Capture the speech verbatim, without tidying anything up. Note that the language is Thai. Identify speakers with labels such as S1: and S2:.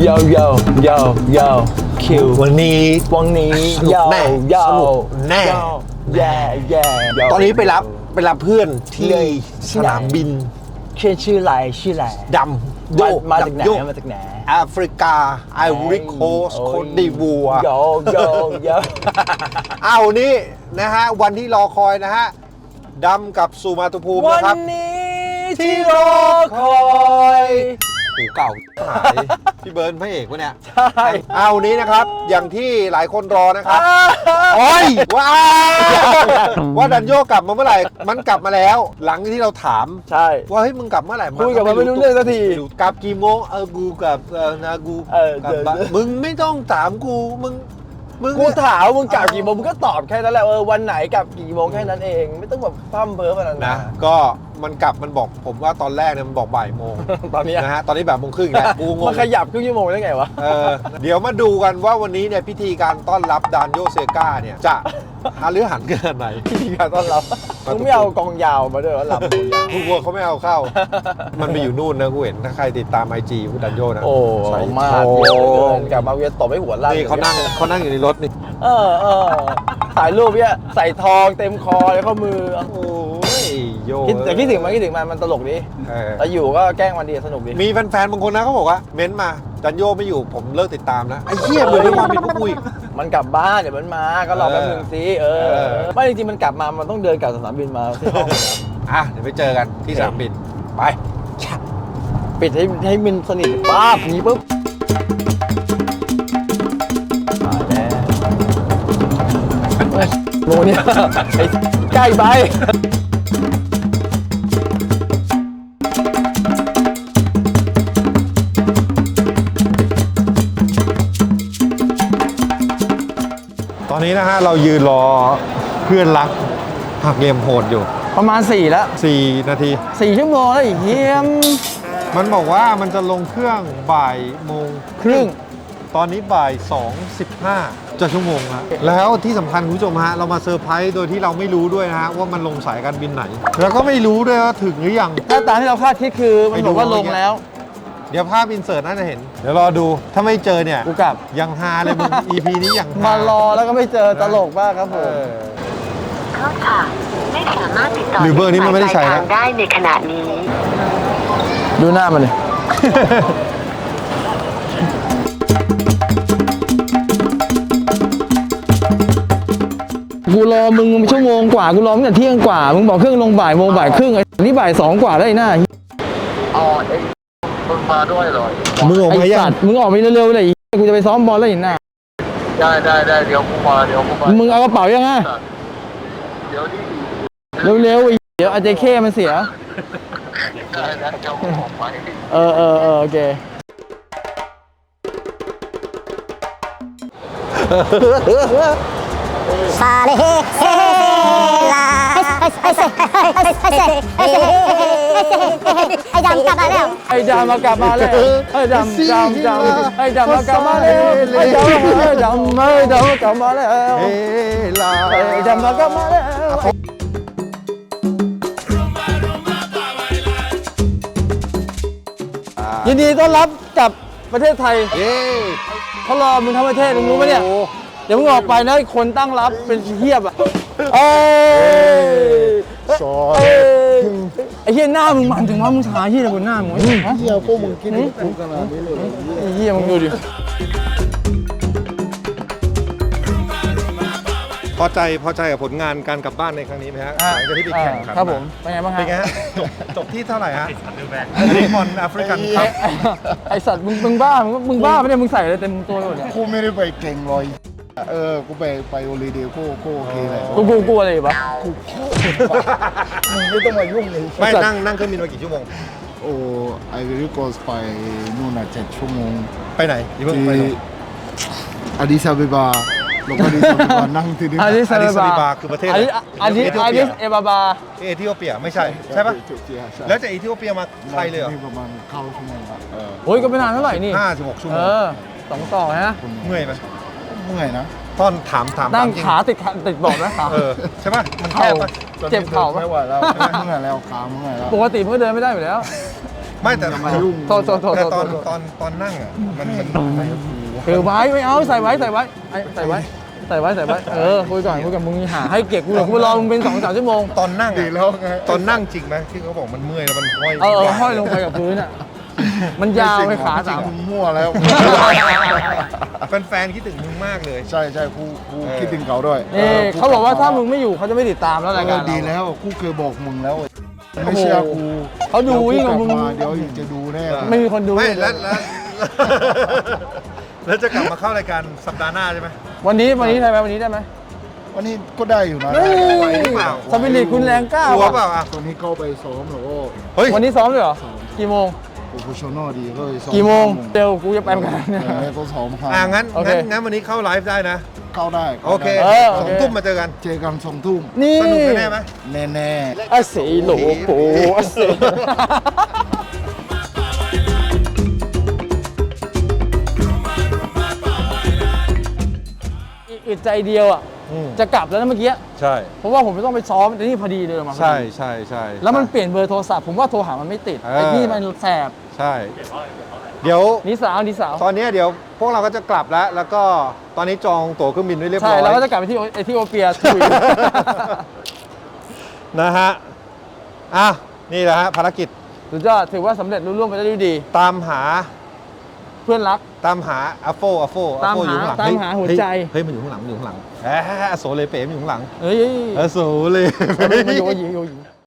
S1: โยโยโยโยคิว
S2: วันนี้
S1: วันนี้
S2: สนุกแน่
S1: โย
S2: สนุกแน่
S1: แย่แย่
S2: ตอนนี้ไปรับไปรับเพื่อนที่สนามบิน
S1: ชื่อชื่ออะไรชื่ออะไร
S2: ดำโย
S1: มาจากไหน
S2: ดำโย
S1: มาจากไหน
S2: แอฟริกาไอวอรี่โคสต์โคตดิวัว
S1: โยโยโย
S2: เอานี่นะฮะวันที่รอคอยนะฮะดำกับสุมาตุภูมิ
S1: วั
S2: นะครับ
S1: นนี้ที่รอคอย
S2: หูเก่าหายพี่เบิร์นพระเอกวะเนี่ย
S1: ใช่
S2: เอานี้นะครับ อย่างที่หลายคนรอนะครับโอ้ยว้าว่าดันโยกลับมาเมื่อไหร่ มันกลับมาแล้ว หลังที่เราถาม
S1: ใช่
S2: ว่าเฮ้ยมึงกลับเมื่อไหร่
S1: คุยกับมันไม่รู้เรื่องสักที
S2: กลับกี่โมงเออกูกลับเออนากู
S1: เออก
S2: ลับบ้าน
S1: เดี๋ยว
S2: มึงไม่ต้องถามกูมึงมึง
S1: กูถามมึงกลับกี่โมงมึงก็ตอบแค่นั้นแหละเออวันไหนกลับกี่โมงแค่นั้นเองไม่ต้องแบบพร่ำเพ้อขนาดนั้
S2: นะ
S1: น
S2: ก็มันกลับมันบอกผมว่าตอนแรกเนี่ยมันบอกบ่ายโมง
S1: ตอนนี้
S2: นะฮะตอนนี้แบบโมงครึ่งแล้วกูงง
S1: มันขยับครึ่งชั่วโมงได้ไงวะ
S2: เออเดี๋ยวมาดูกันว่าวันนี้เนี่ยพิธีการต้อนรับดานโยเซกาเนี่ยจะหาหรือหันขนาดไหน
S1: พิธีการต้อนรับมึงไม่เอากองยาวมาด้วยวะลำ
S2: กูกลัวเขาไม่เอาเข้า มันไปอยู่นู่นนะกูเห็นถ้าใครติดตามไอจีกูดันโยนะ
S1: โอ้
S2: ใส่
S1: มาก
S2: ท
S1: เยอะเหลือเกิ
S2: อง
S1: นกลับมาเวียนตบให้หัวลั่น
S2: นี่เขานั่งเขานั่งอยู่ในรถนี่
S1: เออเออถ่ายรูปเนี่ยใส่ทองเต็มคอเลยข้อมือ
S2: โอ้ยโย
S1: คิดแต่คิดถึงมันคิดถึงมันมันตลกดี
S2: เออ
S1: แต่อยู่ก็แกล้งมันดีสนุกดี
S2: มีแฟนๆบางคนนะเขาบอกว่าเม้นต์มาดันโยไม่อยู่ผมเลิกติดตามนะไอ้เหี้ยเหมือนในความผิดพวกกูอีก
S1: มันกลับบ้านเดี๋ยวมันมาก็รอแป๊บนึงสิเออ
S2: เออ
S1: ไม่จริงๆมันกลับมามันต้องเดินกลับสนามบินมาที่ห้อง
S2: อ่ะเดี๋ยวไปเจอกันที่สนามบินไป
S1: ปิดให้ให้มันสนิทป๊าบนี้ปุ๊บมาแล้วเฮ้ยโมเนี่ยไอ้ใกล้ไป
S2: ตอนนี้นะฮะเรายืนรอเพื่อนรักหักเกมโหดอยู่
S1: ประมาณสี่แล้ว
S2: สี่นาที
S1: สี่ชั่วโมงแล้วไอ้เฮียม
S2: มันบอกว่ามันจะลงเครื่องบ่ายโมง
S1: ครึ่ง
S2: ตอนนี้บ่ายสองสิบห้าจะชั่วโมงแล้วแล้วที่สำคัญคุณผู้ชมฮะเรามาเซอร์ไพรส์โดยที่เราไม่รู้ด้วยนะฮะว่ามันลงสายการบินไหน แล้วก็ไม่รู้ด้วยว่าถึงหรือยัง
S1: ถ้าตามที่เราคาดคิดคือมันบอกว่า
S2: ไปดู
S1: ลงแล้ว
S2: เดี๋ยวภาพอินเสิร์ตน่าจะเห็น เดี๋ยวรอดูถ้าไม่เจอเนี่ย
S1: กูกลับ
S2: ยังฮาเลยมึง อี พี นี้ยังฮาม
S1: ารอแล้วก็ไม่เจอตลกมากครับผ
S2: เอ
S1: ม
S2: อ
S3: โทษค่ะ ไม่สามารถติดต่อ
S2: หรือเบอร์นี้มันไม่ได้ใช้นะ
S3: ทางได้ในขณะนี้
S1: ดูหน้ามันเลย กูรอมึงชั่วโมงกว่ากูรอตั้งแต่เที่ยงกว่ามึงบอกเครื่องลงบ่ายโมงบ่ายครึ่งไอ้นี่บ่ายสองกว่าแล้วไอ้หน้า
S4: อ๋อเอ็งมึงมาด้วยเหรอ
S2: มึงออก
S1: ไอ้
S2: มายั
S1: สั
S2: ง
S1: ตว์มึงออกไปเร็วๆเลยไอ้เหี้ยกูจะไปซ้อมบอลแล้วไอ้หน้า
S4: ได้ได้ได้เดี๋ยวกูมาเดี๋ยวกูมา
S1: มึงเอากระเป๋ายังไง
S4: เดี๋ยวนี่
S1: เร็วๆไอ้เดี๋ยวอาจจะเข้มันเสีย
S4: ได้ได้เดี๋ยวกูออกไป
S1: เออเออเออโอเค
S5: ซาเลเฮเฮลาไอ้ไอ้ไอ้ไอ้ไอ้ไอ้ไอ้ไอ้ดำกลับมาแล้ว
S1: ไอ้ดำมากลับมาแล้วไอ้ดำดำดำไอ้ดำมากลับมาแล้วไอ้ดำไอ้ดำไอ้ดำกลับมาแล้ว
S2: เฮ้ลา
S1: ไอ้ดำมากลับมาแล้วยินดีต้อนรับกลับประเทศไทย
S2: เย้
S1: เขารอมึงทั้งประเทศมึงรู้ไหมเนี่ย
S2: โอ้
S1: เดี๋ยวมึงออกไปนะคนตั้งรับเป็นเทียบอ่ะเอ้ย
S2: ซอ
S1: เอ้ยไอ้เหี้ยหน้ามึงมันถึงว่ามึงชาเหี้ยอะไรบนหน้ามึงฮะ
S2: เหี้ยพวกมึงกินกูขนาดนี้เลย
S1: ไอ้เหี้ยมึงดูดิ
S2: พอใจพอใจกับผลงานการกลับบ้านในครั้งนี้ไหมฮะหลังจากที่ไปแข่งขัน
S1: ครับผมเป็นไงบ้างฮะ
S2: เป็นไงฮะจบจบที่เท่าไหร่ฮะลีกบอลแอฟริกันค
S1: ไอ้
S2: รับ
S1: ไอ้ไอ้สัตว์มึงมึงบ้ามึงมึงบ้าไม่ได้มึงใส่อะไรเต็มตัวเลยเนี่ย
S6: กูไม่ได้ไปเก่งเลยเออ กูไปไปโอลิเดียกูกูโอเคเลย
S1: กูกูกลัวอะไรวะ
S6: มึงไม่ต้องมายุ่งเลย
S2: ไม่นั่งนั่งเครื่องบินมากี่ชั่วโมง
S6: โอ้ไอวิลิโกสไปนู่นน่ะเจ็ดชั่วโมง
S2: ไปไหนอย่าเพิ่ง
S6: ที่
S2: ไปหรอก
S6: อาดิซาเบบาแล้วก็อาดิซาเบบานั่งที่นี่
S1: อาดิส
S2: อาดิส
S1: อา
S2: อา
S1: บี
S2: บี
S1: บา
S2: บาคือประเทศ
S1: อาดิอาดิอาดิสเอบาบา
S2: เอธิโอเปียไม่ใช่ใช่ปะ
S6: ใช่
S2: แล้วจากเอธิโอเปียมาไทยเลยเหรอ
S6: นี่ประมาณเข้าชั่วโมงละเออ
S1: โอ้ยก็ไม่นานเท่าไหร่นี่
S2: ห้าสิบหกชั่วโม
S1: เอง อสองต่อฮะ
S2: เมื่อยไหม
S6: เมื่อยนะ
S2: ตอนถามถาม
S1: นั่ง
S2: จริ
S1: ขาติดขาติดเบาะนะขา
S2: เออใช่ปะมันแค
S1: เข่า
S2: บปะ
S1: เจ็บเข่าปะ
S6: ไม่ไหวแล้วเมื่อยแล้วขาเมื่อยแล้ว
S1: ปกติมึงก็เดินไม่ได้อยู่แล้ว
S2: ไม่แต่
S6: อย่ามายุ่ง
S1: โทษโทษโทษ
S2: แต่
S1: โทษ
S2: ตอน
S1: โทษ
S2: ตอนตอนนั่งอ่ะมันมัน
S1: ถือไว้ไม่เอาใส่ไว้ใส่ไว้ไอ้ใส่ไว้ใส่ไว้ใส่ไว้เออคุยก่อนคุยกับมึงหาให้เก็บกูหรอกกูรอมึงเป็นสองสามชั่วโมง
S2: ตอนนั่ง
S6: ดี
S2: อะ
S6: แล้วไง
S2: ตอนนั่งจริงไหมที่เขาบอกมันเมื่อยแล้วมันห้อย
S1: เออเออห้อยลงไปกับพื้นอ่ะมันยาวไปขา
S6: จริ
S1: สาง ม
S6: มึงมั่วแล้ว
S2: แฟนๆคิดถึงมึงมากเลย
S6: ใช่ใช่ครูครู
S2: เออ
S6: คิดถึงเขาด้วย
S1: นี่เขาบอกว่าถ้ามึงไม่อยู่เขาจะไม่ติดตามแล้วรายการ
S6: เออดี
S1: เรา
S6: แล้วครูเคยบอกมึงแล้วไม่เชื่อครู
S1: เขาดูยิ่งกว่ามึง
S6: เดี๋ยวจะดูแน่
S1: ไม่มีคนดู
S2: ไม่แล้วแล้วแล้วจะกลับมาเข้ารายการสัปดาห์หน้าใช่ไหม
S1: วันนี้วันนี้ได้ไหมวันนี้ได้ไหม
S6: วันนี้ก็ได้อยู่นะ
S1: เฮ้ย
S2: ไหวหรือเปล่า
S1: สปิริตคุณแรงกล้าก
S2: ลัว
S1: ว่ะ
S2: เปล่าอ่ะ
S6: ตอนนี้เข้าไปซ้อมแล้วก็
S2: เฮ้ย
S1: วันนี้ซ้อมเลยเหรอกี่โมง
S6: โปรเฟชชั่นอลดีก็เลยซ้อม
S1: กี่โมงเร็วกูจะไปเหมือนกันเนี่ย
S6: เออก็ซ้อมครับ
S2: อ่างั้น
S1: โอเค
S2: งั้นงั้นวันนี้เข้าไลฟ์ได้นะ
S6: เข้าได้
S2: โอเค
S1: เออโอ
S2: สอง
S1: เค
S2: ทุ่มมาเจอกัน
S6: เจอกันสองทุ่ม
S1: นี่
S2: สนุกแน่ๆไหม
S6: แน่แน่
S1: อาเสีโหลโผอาเสีอึดใจเดียวอ่ะ
S2: อืม
S1: จะกลับแล้วนะเมื่อกี้
S2: ใช่
S1: เพราะว่าผมไม่ต้องไปซ้อมแต่นี่พอดีเลยมาพอดี
S2: ใช่ใช่ใช่
S1: แล้วมันเปลี่ยนเบอร์โทรศัพท์ผมว่าโทรหามันไม่ติด
S2: เออ
S1: ไอ้นี่มันแสบ
S2: ใช่ เดี๋ยว
S1: นี่สาวนี่สาว
S2: ตอนนี้เดี๋ยวพวกเราก็จะกลับแล้ว แล้วก็ตอนนี้จองตั๋วเครื่องบินไว้เรียบร้
S1: ใช่
S2: อย
S1: แล้วก็จะกลับไปที่เอธิโอเปียถุย
S2: นะฮะอ่ะนี่แหละฮะภารกิจ
S1: สุดยอดถือว่าสำเร็จรุ่ร่วงไปได้ด้วยดี
S2: ตามหา
S1: เพื่อนรัก
S2: ตามหาอัฟโฟอัฟโฟ
S1: ตามหา
S2: อยู่ข้างหลัง
S1: ตามหาหัวใจ
S2: เฮ้ยเฮ้ยมันอยู่ข้างหลังมันอยู่ข้างหลังแหมโซเลเป๋มันอยู่ข้างหลัง
S1: เฮ้ย
S2: เออโซเล
S1: มัน
S2: เป๋
S1: มันโยหยิงโยหยิง